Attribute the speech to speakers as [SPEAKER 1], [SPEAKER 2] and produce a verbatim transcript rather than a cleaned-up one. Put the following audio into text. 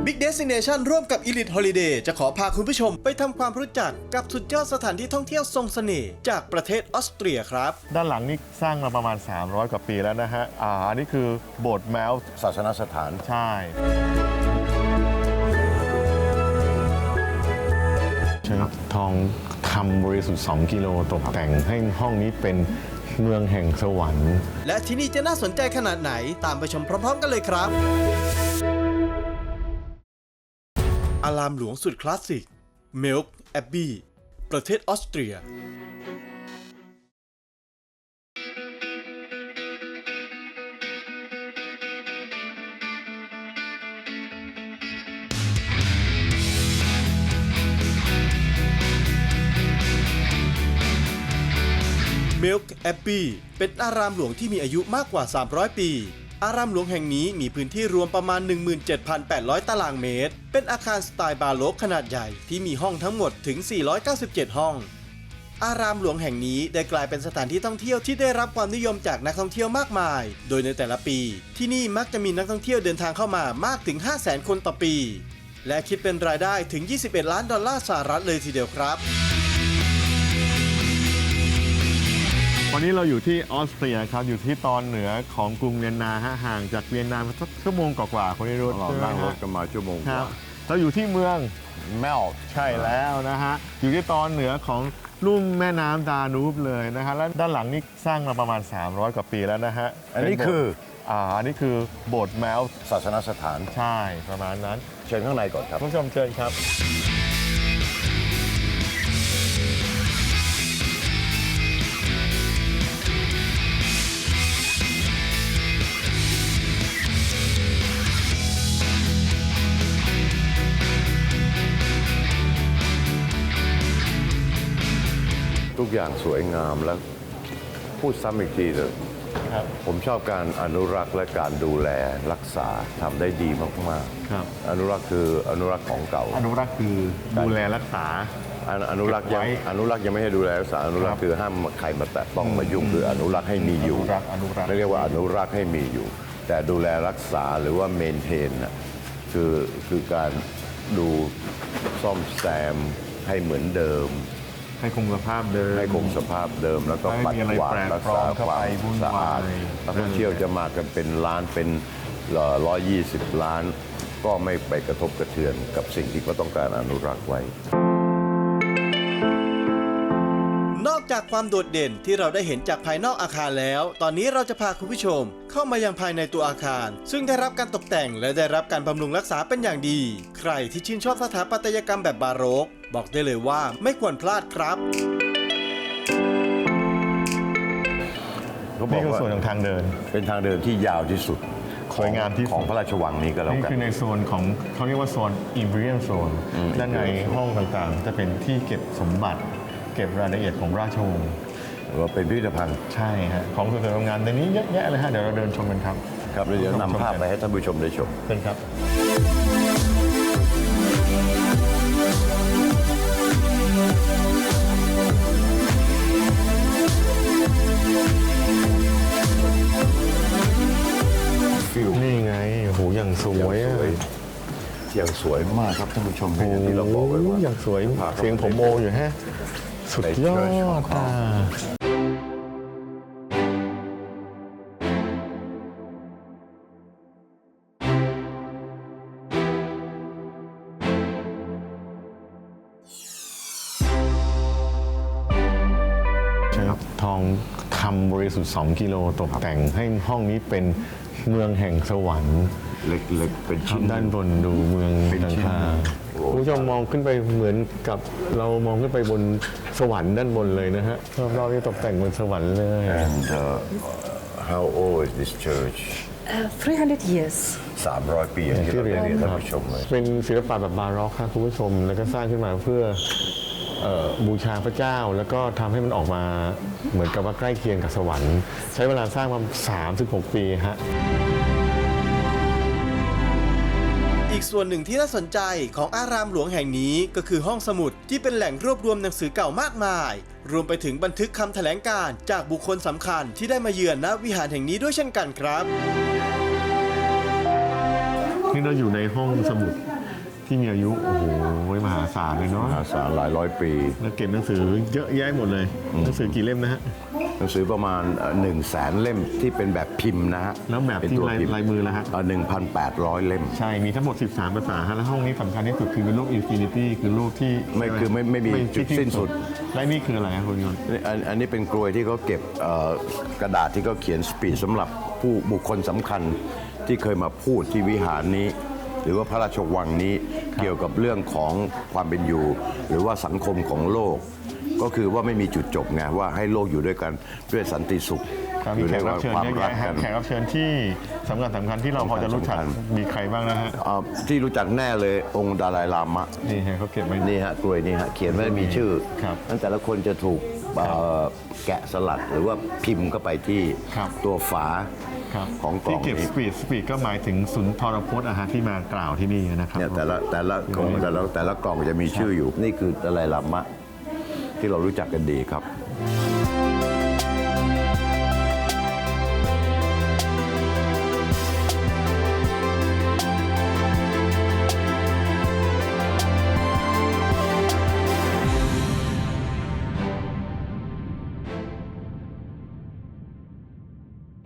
[SPEAKER 1] Big Destination ร่วมกับ Elite Holiday จะขอพาคุณผู้ชมไปทำความรู้จักกับสุดยอดสถานที่ท่องเที่ยวทรงเสน่ห์จากประเทศออสเตรียครับ
[SPEAKER 2] ด้านหลังนี่สร้างมาประมาณสามร้อยกว่าปีแล้วนะฮะอ่าอันนี้คือโบสถ์แมวศาสนสถานใช่ใช้ทองคำบริสุทธิ์สองกิโลตกแต่งให้ห้องนี้เป็นเมืองแห่งสวรรค์
[SPEAKER 1] และที่นี่จะน่าสนใจขนาดไหนตามไปชมพร้อมๆกันเลยครับอารามหลวงสุดคลาสสิก Melk Abbey ประเทศออสเตรียMelk Abbey เป็นอารามหลวงที่มีอายุมากกว่าสามร้อยปีอารามหลวงแห่งนี้มีพื้นที่รวมประมาณ หนึ่งหมื่นเจ็ดพันแปดร้อย ตารางเมตรเป็นอาคารสไตล์บาโรกขนาดใหญ่ที่มีห้องทั้งหมดถึงสี่ร้อยเก้าสิบเจ็ดห้องอารามหลวงแห่งนี้ได้กลายเป็นสถานที่ท่องเที่ยวที่ได้รับความนิยมจากนักท่องเที่ยวมากมายโดยในแต่ละปีที่นี่มักจะมีนักท่องเที่ยวเดินทางเข้ามามากถึง ห้าแสน คนต่อปีและคิดเป็นรายได้ถึงยี่สิบเอ็ดล้านดอลลาร์สหรัฐเลยทีเดียวครับ
[SPEAKER 2] วันนี้เราอยู่ที่ออสเตรียครับอยู่ที่ตอนเหนือของกรุงเวียนนาฮะห่างจากเวียนนาสักชั่วโมงกว่าๆคนนี้รถเรานั่งรถกันมาชั่วโมงครับเราอยู่ที่เมืองแมลใช่แล้วนะฮะอยู่ที่ตอนเหนือของลุ่มแม่น้ำดานูบเลยนะฮะแล้วด้านหลังนี่สร้างมาประมาณสามร้อยกว่าปีแล้วนะฮะอันนี้คืออ่าอันนี้คือโบสถ์แมวศาสนสถานใช่ประมาณนั้นเชิญข้างในก่อนครับผู้ชมเชิญครับ
[SPEAKER 3] ทุกอย่างสวยงามแล้วพูดซ้ำอีกทีเลยผมชอบการอนุรักษ์และการดูแลรักษาทำได้ดีมากๆอนุรักษ์คืออนุรักษ์ของเก่า
[SPEAKER 2] อนุรักษ์คือดูแลรักษา
[SPEAKER 3] อนุรักษ์ยังอนุรักษ์ยังไม่ให้ดูแลรักษาอนุรักษ์คือห้ามใครมาแตะต้องมายุ่งคืออนุรักษ์ให้มีอยู่ไม่เรียกว่าอนุรักษ์ให้มีอยู่แต่ดูแลรักษาหรือว่าเมนเทนน่ะคือคือการดูซ่อมแซมให้เหมือนเดิม
[SPEAKER 2] ให้คงสภาพเดิม
[SPEAKER 3] ให้คงสภาพเดิมแล้วก็ปัดกวาดรักษาความสะอาดนักท่องเที่ยวจะมากันเป็นล้านเป็นร้อยยี่สิบล้านก็ไม่ไปกระทบกระเทือนกับสิ่งที่เขาต้องการอนุรักษ์ไว้
[SPEAKER 1] นอกจากความโดดเด่นที่เราได้เห็นจากภายนอกอาคารแล้วตอนนี้เราจะพาคุณผู้ชมเข้ามายังภายในตัวอาคารซึ่งได้รับการตกแต่งและได้รับการบำรุงรักษาเป็นอย่างดีใครที่ชื่นชอบสถาปัตยกรรมแบบบาโรกบอกได้เลยว่าไม่ควรพลาดครับ
[SPEAKER 2] นี่คือส่วนของทางเดิน
[SPEAKER 3] เป็นทางเดินที่ยาวที่สุด
[SPEAKER 2] สวยงามที่
[SPEAKER 3] ของพระราชวังนี้ก็แล้วกัน
[SPEAKER 2] นี่คือในโซนของเขาเรียกว่าโซน Imperial Zone ด้านในห้องต่างๆจะเป็นที่เก็บสมบัติเก็บรายละเอียดของราชวงศ์
[SPEAKER 3] หรือว่าเป็นพิพิธภัณฑ์
[SPEAKER 2] ใช่ฮะของสวยๆงามในนี้เยอะแยะเลยฮะเดี๋ยวเราเดินชมกันครับ
[SPEAKER 3] ครับเดี๋ยวนำภาพไปให้ท่านผู้ชมได้ชม
[SPEAKER 2] เป็นครับนี่ไงโหอย่างสวยอ่ะ
[SPEAKER 3] อย่างสวยมากครับท่านผู้ชมที่เราบอกไว้ว่า
[SPEAKER 2] อย่างสวยเสียงผมโมอยู่ฮะสุดยอดอ่ะทองคำบริสุทธิ์สองกิโลตกแต่งให้ห้องนี้เป็นเมืองแห่งสวรรค์
[SPEAKER 3] เล็กๆเป็นชิ้น
[SPEAKER 2] ด้านบนดูเมืองดังคาคุณผู้ชมมองขึ้นไปเหมือนกับเรามองขึ้นไปบนสวรรค์ด้านบนเลยนะฮะรอบๆนี้ตกแต่งบนสวรรค์เลย
[SPEAKER 3] And uh, how old is this church?
[SPEAKER 4] Uh, three hundred years.
[SPEAKER 3] สามร้อยปีอย่างที่เราเรียนท่านผู้ชมเลย
[SPEAKER 2] เป็นศิลปะแบบบาร็อกครับคุณผู้ชมแล้วก็สร้างขึ้นมาเพื่อบูชาพระเจ้าแล้วก็ทำให้มันออกมาเหมือนกับว่าใกล้เคียงกับสวรรค์ใช้เวลาสร้างมาสามสิบหกปีฮะ
[SPEAKER 1] อีกส่วนหนึ่งที่น่าสนใจของอารามหลวงแห่งนี้ก็คือห้องสมุดที่เป็นแหล่งรวบรวมหนังสือเก่ามากมายรวมไปถึงบันทึกคำแถลงการณ์จากบุคคลสำคัญที่ได้มาเยือนณวิหารแห่งนี้ด้วยเช่นกันครับ
[SPEAKER 2] นี่เราอยู่ในห้องสมุดที่มีอายุโอ้โหมหาศาลเลยเนาะ
[SPEAKER 3] มหาศาลหลายร้อยปี
[SPEAKER 2] แล้วเก็บหนังสือเยอะแยะหมดเลยหนังสือกี่เล่มนะฮะ
[SPEAKER 3] หนังสือประมาณหนึ่งแสนเล่มที่เป็นแบบพิมพ์นะฮะ
[SPEAKER 2] แล้วแบบ
[SPEAKER 3] เป็น
[SPEAKER 2] ที่
[SPEAKER 3] ตัว
[SPEAKER 2] ลาย
[SPEAKER 3] พิมพ์
[SPEAKER 2] ลายมือแล้วฮะ
[SPEAKER 3] หนึ่งพันแปดร้อยเล่ม
[SPEAKER 2] ใช่มีทั้งหมดสิบสามภาษาฮะแล้วห้องนี้สำคัญที่สุดคือเป็นรูปอินฟินิตี้คือรูปที่
[SPEAKER 3] ไม่คือไม่ไม่มีจุดสิ้นสุด
[SPEAKER 2] และนี่คืออะไรครับคุณยนต์
[SPEAKER 3] อันอันนี้เป็นกลวยที่เขาเก็บเอ่อกระดาษที่เขาเขียนสปีชสำหรับผู้บุคคลสำคัญที่เคยมาพูดที่วิหารนี้ หรือว่าพระราชวังนี้เกี่ยวกับเรื่องของความเป็นอยู่ หรือว่าสังคมของโลก ก็คือว่าไม่มีจุดจบไงว่าให้โลกอยู่ด้วยกันด้วยสันติสุข
[SPEAKER 2] ครับ
[SPEAKER 3] อ
[SPEAKER 2] มี
[SPEAKER 3] ยู่
[SPEAKER 2] แข
[SPEAKER 3] ใน
[SPEAKER 2] กรับเชิญ
[SPEAKER 3] ความ
[SPEAKER 2] เยอะ
[SPEAKER 3] รัก
[SPEAKER 2] แยะฮะ
[SPEAKER 3] กัน
[SPEAKER 2] แขกรับเชิญที่สำคัญสำคัญที่เราพอจะรู้จัก
[SPEAKER 3] สำคัญ
[SPEAKER 2] มีใครบ้างนะฮะ
[SPEAKER 3] เอ่อที่รู้จักแน่เลยองค์ดาไลลามะ
[SPEAKER 2] นี่ฮะเขาเก็บไว้
[SPEAKER 3] นี่ฮะกลวยนี่ฮะเขียนไว้มีชื่อ
[SPEAKER 2] ครับ
[SPEAKER 3] นั้นแต่ละคนจะถูกเอ่อแกะสลักหรือว่าพิมพ์เข้าไปที่
[SPEAKER 2] ครับ
[SPEAKER 3] ตัวฝา
[SPEAKER 2] ครับ
[SPEAKER 3] ของกล่
[SPEAKER 2] ที่
[SPEAKER 3] อง
[SPEAKER 2] เก็บส
[SPEAKER 3] นี้
[SPEAKER 2] ปีดสปีดก็หมายถึงสุนทรพจน์อาหารที่มากล่าวที่นี่นะครับ
[SPEAKER 3] เนี่ยแต่ละแต่ละกล่องแต่ละแต่ละกล่องจะมีชื่ออยู่ นี่คือดาไลลามะที่เรารู้จักกันดีครับ